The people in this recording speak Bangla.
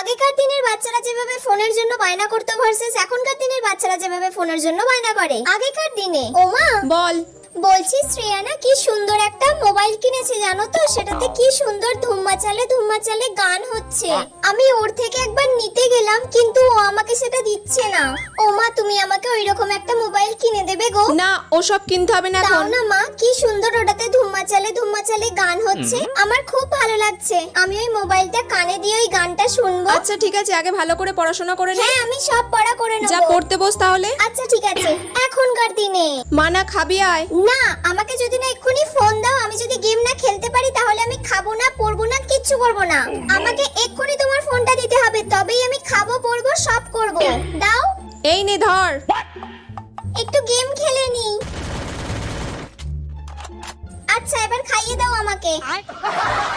আগেকার দিনের বাচ্চারা যেভাবে ফোনের জন্য বায়না করতো ভার্সেস এখনকার দিনের বাচ্চারা যেভাবে ফোনের জন্য বায়না করে। আগেকার দিনে ওমা বল। বলছি শ্রেয়ানা কি সুন্দর একটা মোবাইল কিনেছে জানো তো, সেটাতে কি সুন্দর ধুম্মা চালে গান হচ্ছে। আমি ওর থেকে একবার নিতে গেলাম কিন্তু ও আমাকে সেটা দিচ্ছে না। ও মা তুমি আমাকে ওইরকম একটা মোবাইল কিনে দেবে গো? না ওসব কিনতে হবে না দাও এখন। না মা, কি সুন্দর ওটাতে ধুম্মা চালে গান হচ্ছে, আমার খুব ভালো লাগছে। আমি ওই মোবাইলটা কানে দিয়ে ওই গানটা শুনবো। আচ্ছা ঠিক আছে, আগে ভালো করে পড়াশোনা করে নে। হ্যাঁ আমি সব পড়া করে নেব। যা পড়তে বস তাহলে। আচ্ছা ঠিক আছে। এখনকার দিনে মানা খাবি আয়। না, আমাকে যদি না এক্ষুনি ফোন দাও, আমি যদি গেম না খেলতে পারি তাহলে আমি খাবো না, পড়বো না, কিচ্ছু করবো না। আমাকে এক্ষুনি তোমার ফোনটা দিতে হবে, তবেই আমি খাবো, পড়বো, সব করবো। দাও। এই নে ধর। একটু গেম খেলে নি। আচ্ছা এবার খাইয়ে দাও আমাকে।